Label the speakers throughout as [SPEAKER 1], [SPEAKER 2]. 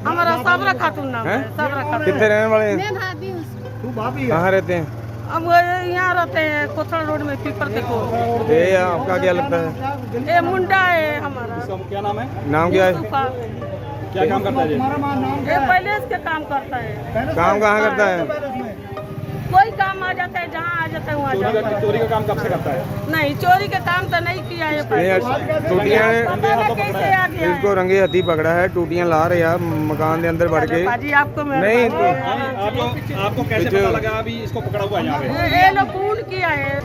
[SPEAKER 1] हमारा सबरा खातून नाम है, सबरा खातून।
[SPEAKER 2] कितने रहने वाले हैं?
[SPEAKER 3] मैं भाभी हूँ उसकी।
[SPEAKER 4] तू भाभी है?
[SPEAKER 2] कहाँ रहते हैं?
[SPEAKER 1] हम वो यहाँ रहते हैं कोथड़ा रोड में पीपर देखो।
[SPEAKER 2] ये आपका क्या लगता है?
[SPEAKER 1] ये मुंडा है हमारा।
[SPEAKER 4] क्या नाम है?
[SPEAKER 2] नाम क्या है?
[SPEAKER 1] मुस्तफा।
[SPEAKER 4] क्या काम करता है ये?
[SPEAKER 1] ये पहले इसके काम करता है।
[SPEAKER 2] काम कहाँ करता है?
[SPEAKER 1] कोई काम आ जाता है, जहाँ आ जाता है वहाँ जाता है।
[SPEAKER 4] चोरी का काम कब से करता है?
[SPEAKER 1] नहीं, चोरी के काम तो नहीं किया है पहले।
[SPEAKER 2] टूटियां
[SPEAKER 1] पता नहीं कैसे आ गया है।
[SPEAKER 2] इसको रंगे हथी पकड़ा है, टूटियां ला रहे हैं मकान के अंदर बढ़ के।
[SPEAKER 1] बाजी आपको
[SPEAKER 2] नहीं तो
[SPEAKER 4] आपको कैसे पता लगा अभी इसको पकड़ा हुआ है यहाँ पे?
[SPEAKER 1] ये लोग खून किया है।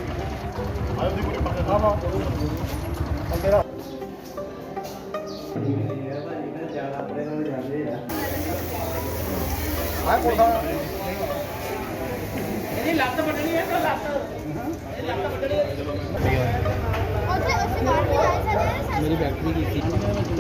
[SPEAKER 3] मेरी बैटरी की थी।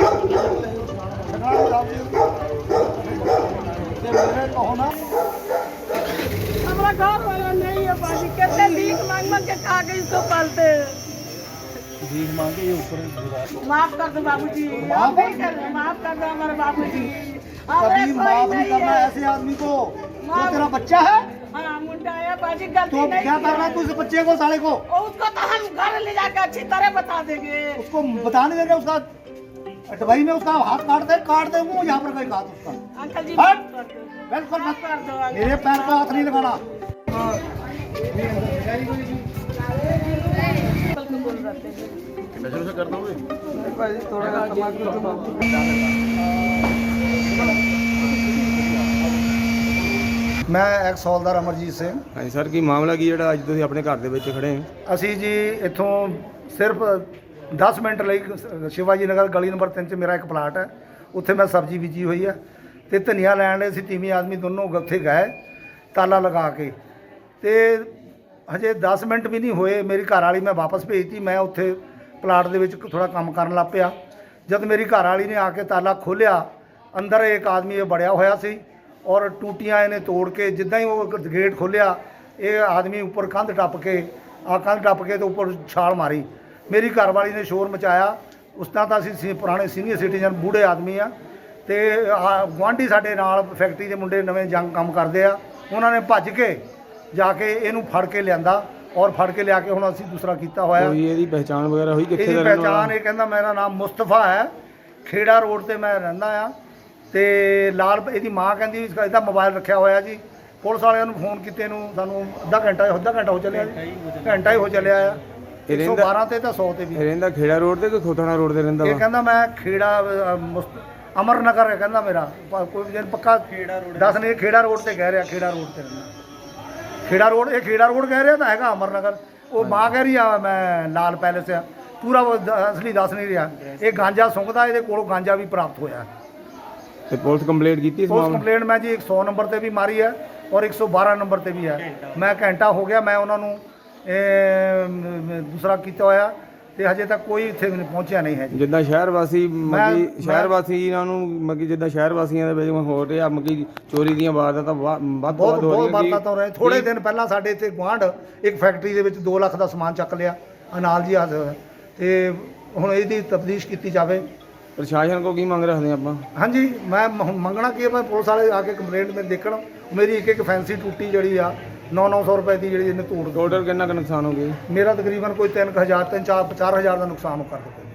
[SPEAKER 1] हमारा घर वाला नहीं है बाजी, कितने भीख मांग मांग के खा के इसको पालते हैं।
[SPEAKER 4] भीख मांगे ये ऊपर
[SPEAKER 1] माफ कर दो बाबूजी, माफ कर दो हमारे बाबूजी।
[SPEAKER 4] कभी माफ नहीं करना ऐसे आदमी को। तो तेरा बच्चा है
[SPEAKER 1] हाँ, मुंडा है बाजी, गलती
[SPEAKER 4] तो
[SPEAKER 1] नहीं
[SPEAKER 4] क्या
[SPEAKER 1] किया
[SPEAKER 4] करना तू इस बच्चे को साले को?
[SPEAKER 1] और उसको तो हम घर ले जाकर अच्छी तरह बता देंगे।
[SPEAKER 4] उसको बताने देंगे उसका डबई में उसका हाथ काट दे वो यहाँ पर कोई हाथ उसका।
[SPEAKER 1] अंकल जी
[SPEAKER 4] हट!
[SPEAKER 1] माफ कर दो।
[SPEAKER 4] बिल्कुल मत
[SPEAKER 1] कर दो अंकल।
[SPEAKER 4] मेरे पैर को हाथ नहीं लगाना।
[SPEAKER 1] अंकल को बोल रहे थे।
[SPEAKER 4] कर दोगे? ਮੈਂ ਐਕਸ ਹੌਲਦਾਰ ਅਮਰਜੀਤ ਸਿੰਘ।
[SPEAKER 2] ਹਾਂਜੀ ਸਰ, ਕੀ ਮਾਮਲਾ ਕੀ ਜਿਹੜਾ ਅੱਜ ਤੁਸੀਂ ਆਪਣੇ ਘਰ ਦੇ ਵਿੱਚ ਖੜੇ ਹੋ?
[SPEAKER 4] ਅਸੀਂ ਜੀ ਇੱਥੋਂ ਸਿਰਫ 10 ਮਿੰਟ ਲਈ ਸ਼ਿਵਾਜੀ ਨਗਰ ਗਲੀ ਨੰਬਰ 3 'ਚ ਮੇਰਾ ਇੱਕ ਪਲਾਟ ਹੈ, ਉੱਥੇ ਮੈਂ ਸਬਜ਼ੀ ਬੀਜੀ ਹੋਈ ਹੈ ਤੇ ਧਨੀਆ ਲੈਣ ਲਈ ਅਸੀਂ ਤੀਵੀਂ ਆਦਮੀ ਦੋਨੋਂ ਉੱਥੇ ਗਏ ਤਾਲਾ ਲਗਾ ਕੇ, ਤੇ ਹਜੇ 10 ਮਿੰਟ ਵੀ ਨਹੀਂ ਹੋਏ ਮੇਰੀ ਘਰ ਵਾਲੀ ਮੈਂ ਵਾਪਸ ਭੇਜਤੀ। ਮੈਂ ਉੱਥੇ ਪਲਾਟ ਦੇ ਵਿੱਚ ਥੋੜਾ ਕੰਮ ਕਰਨ ਲੱਗ ਪਿਆ। ਜਦ ਮੇਰੀ ਘਰ ਵਾਲੀ ਨੇ ਆ ਕੇ ਤਾਲਾ ਖੋਲ੍ਹਿਆ, ਅੰਦਰ ਇੱਕ ਆਦਮੀ ਇਹ ਬੜਿਆ ਹੋਇਆ ਸੀ ਔਰ ਟੂਟੀਆਂ ਇਹਨੇ ਤੋੜ ਕੇ, ਜਿੱਦਾਂ ਹੀ ਉਹ ਗੇਟ ਖੋਲ੍ਹਿਆ ਇਹ ਆਦਮੀ ਉੱਪਰ ਕੰਧ ਟੱਪ ਕੇ ਤੇ ਉੱਪਰ ਛਾਲ ਮਾਰੀ। ਮੇਰੀ ਘਰ ਵਾਲੀ ਨੇ ਸ਼ੋਰ ਮਚਾਇਆ। ਉਸ ਤਰ੍ਹਾਂ ਤਾਂ ਅਸੀਂ ਪੁਰਾਣੇ ਸੀਨੀਅਰ ਸਿਟੀਜ਼ਨ ਬੂढ़े ਆਦਮੀ ਆ, ਤੇ ਗੁਆਂਢੀ ਸਾਡੇ ਨਾਲ ਫੈਕਟਰੀ ਦੇ ਮੁੰਡੇ ਨਵੇਂ ਜੰਗ ਕੰਮ ਕਰਦੇ ਆ, ਉਹਨਾਂ ਨੇ ਭੱਜ ਕੇ ਜਾ ਕੇ ਇਹਨੂੰ ਫੜ ਕੇ ਲਿਆਂਦਾ ਔਰ ਫੜ ਕੇ ਲਿਆ ਕੇ ਹੁਣ ਅਸੀਂ ਦੂਸਰਾ ਕੀਤਾ ਹੋਇਆ।
[SPEAKER 2] ਕੋਈ ਇਹਦੀ ਪਹਿਚਾਣ ਵਗੈਰਾ ਹੋਈ ਕਿੱਥੇ
[SPEAKER 4] ਇਹਦੀ
[SPEAKER 2] ਦਾ ਰਹਿਣ ਵਾਲਾ?
[SPEAKER 4] ਪਹਿਚਾਣ ਇਹ ਕਹਿੰਦਾ ਮੇਰਾ ਨਾਮ ਮੁਸਤਫਾ ਹੈ, ਖੇੜਾ ਰੋਡ ਤੇ ਮੈਂ ਰਹਿੰਦਾ ਆ, ਤੇ ਲਾਲ ਇਹਦੀ ਮਾਂ ਕਹਿੰਦੀ ਵੀ ਇਹਦਾ ਮੋਬਾਈਲ ਰੱਖਿਆ ਹੋਇਆ ਜੀ। ਪੁਲਿਸ ਵਾਲਿਆਂ ਨੂੰ ਫੋਨ ਕੀਤੇ ਨੂੰ ਸਾਨੂੰ ਅੱਧਾ ਘੰਟਾ ਹੋ ਚੱਲਿਆ ਜੀ, ਘੰਟਾ ਹੀ ਹੋ ਚੱਲਿਆ ਆ। 112 ਤੇ ਤਾਂ 100 ਤੇ ਵੀ।
[SPEAKER 2] ਰਹਿੰਦਾ ਖੇੜਾ ਰੋਡ ਤੇ ਕਿ ਖੋਥਣਾ ਰੋਡ ਤੇ ਰਹਿੰਦਾ
[SPEAKER 4] ਇਹ
[SPEAKER 2] ਵਾ?
[SPEAKER 4] ਕਹਿੰਦਾ ਮੈਂ ਖੇੜਾ ਅਮਰ ਨਗਰ ਹੈ ਕਹਿੰਦਾ ਮੇਰਾ, ਕੋਈ ਜਨ ਪੱਕਾ ਦੱਸ ਨਹੀਂ, ਖੇੜਾ ਰੋਡ ਤੇ ਕਹਿ ਰਿਹਾ, ਖੇੜਾ ਰੋਡ ਤੇ ਰਹਿੰਦਾ। ਖੇੜਾ ਰੋਡ ਕਹਿ ਰਿਹਾ ਤਾਂ ਹੈਗਾ ਅਮਰ ਨਗਰ। ਉਹ ਮਾਂ ਕਹਿ ਰਹੀ ਆ ਮੈਂ ਲਾਲ ਪੈਲੇਸ ਆ, ਪੂਰਾ ਅਸਲੀ ਦੱਸ ਨਹੀਂ ਰਿਹਾ। ਇਹ ਗਾਂਜਾ ਸੁੰਘਦਾ, ਇਹਦੇ ਕੋਲੋਂ ਗਾਂਜਾ ਵੀ ਪ੍ਰਾਪਤ ਹੋਇਆ।
[SPEAKER 2] ਤੇ ਪੁਲਿਸ ਕੰਪਲੇਂਟ ਕੀਤੀ ਇਸ
[SPEAKER 4] ਪੁਲਿਸ
[SPEAKER 2] ਮਾਮਲੇ?
[SPEAKER 4] ਕੰਪਲੇਂਟ ਮੈਂ ਜੀ 100 ਨੰਬਰ ਤੇ ਵੀ ਮਾਰੀ ਹੈ ਔਰ 112 ਨੰਬਰ ਤੇ ਵੀ ਹੈ। ਮੈਂ ਘੰਟਾ ਹੋ ਗਿਆ ਮੈਂ ਉਹਨਾਂ ਨੂੰ ਦੂਸਰਾ ਕੀਤਾ ਹੋਇਆ, ਤੇ ਹਜੇ ਤੱਕ ਕੋਈ ਇੱਥੇ ਪਹੁੰਚਿਆ ਨਹੀਂ ਹੈ ਜੀ।
[SPEAKER 2] ਜਿੱਦਾਂ ਸ਼ਹਿਰ ਵਾਸੀ
[SPEAKER 4] ਮੈਂ-
[SPEAKER 2] ਇਹਨਾਂ ਨੂੰ ਜਿੱਦਾਂ ਸ਼ਹਿਰ ਵਾਸੀਆਂ ਦੇ ਵਿੱਚ ਹੋ ਰਿਹਾ ਚੋਰੀ ਦੀਆਂ ਵਾਰਦਾਤਾਂ ਵੱਧ ਤੋਂ ਵੱਧ ਹੋ
[SPEAKER 4] ਬਹੁਤ
[SPEAKER 2] ਰਹੀਆਂ।
[SPEAKER 4] ਵਾਰਦਾਤ ਹੋ ਰਹੇ। ਥੋੜੇ ਦਿਨ ਪਹਿਲਾਂ ਸਾਡੇ ਇੱਥੇ ਗੁਆਂਢ ਇੱਕ ਫੈਕਟਰੀ ਦੇ ਵਿੱਚ 2 ਲੱਖ ਦਾ ਸਮਾਨ ਚੱਕ ਲਿਆ, ਅਨਾਲ ਜੀ ਹੱਥ, ਤੇ ਹੁਣ ਇਹਦੀ ਤਫਤੀਸ਼ ਕੀਤੀ ਜਾਵੇ।
[SPEAKER 2] ਪ੍ਰਸ਼ਾਸਨ ਕੋ ਕੀ ਮੰਗ ਰੱਖਦੇ ਆਪਾਂ?
[SPEAKER 4] ਹਾਂਜੀ, ਮੈਂ ਮੰਗਣਾ ਕੀ ਹੈ, ਮੈਂ ਪੁਲਿਸ ਵਾਲੇ ਆ ਕੇ ਕੰਪਲੇਂਟ ਮੇਰੇ ਦੇਖਣ। ਮੇਰੀ ਇੱਕ ਫੈਂਸੀ ਟੂਟੀ ਜਿਹੜੀ ਆ 900 ਰੁਪਏ ਦੀ ਜਿਹੜੀ ਇਹਨੇ ਤੋੜ
[SPEAKER 2] ਟੋਟਲ ਕਿੰਨਾ ਕੁ ਨੁਕਸਾਨ ਹੋ ਗਿਆ?
[SPEAKER 4] ਮੇਰਾ ਤਕਰੀਬਨ ਕੋਈ 3000 3 4 4000 ਦਾ ਨੁਕਸਾਨ ਕਰ ਦਿੱਤਾ।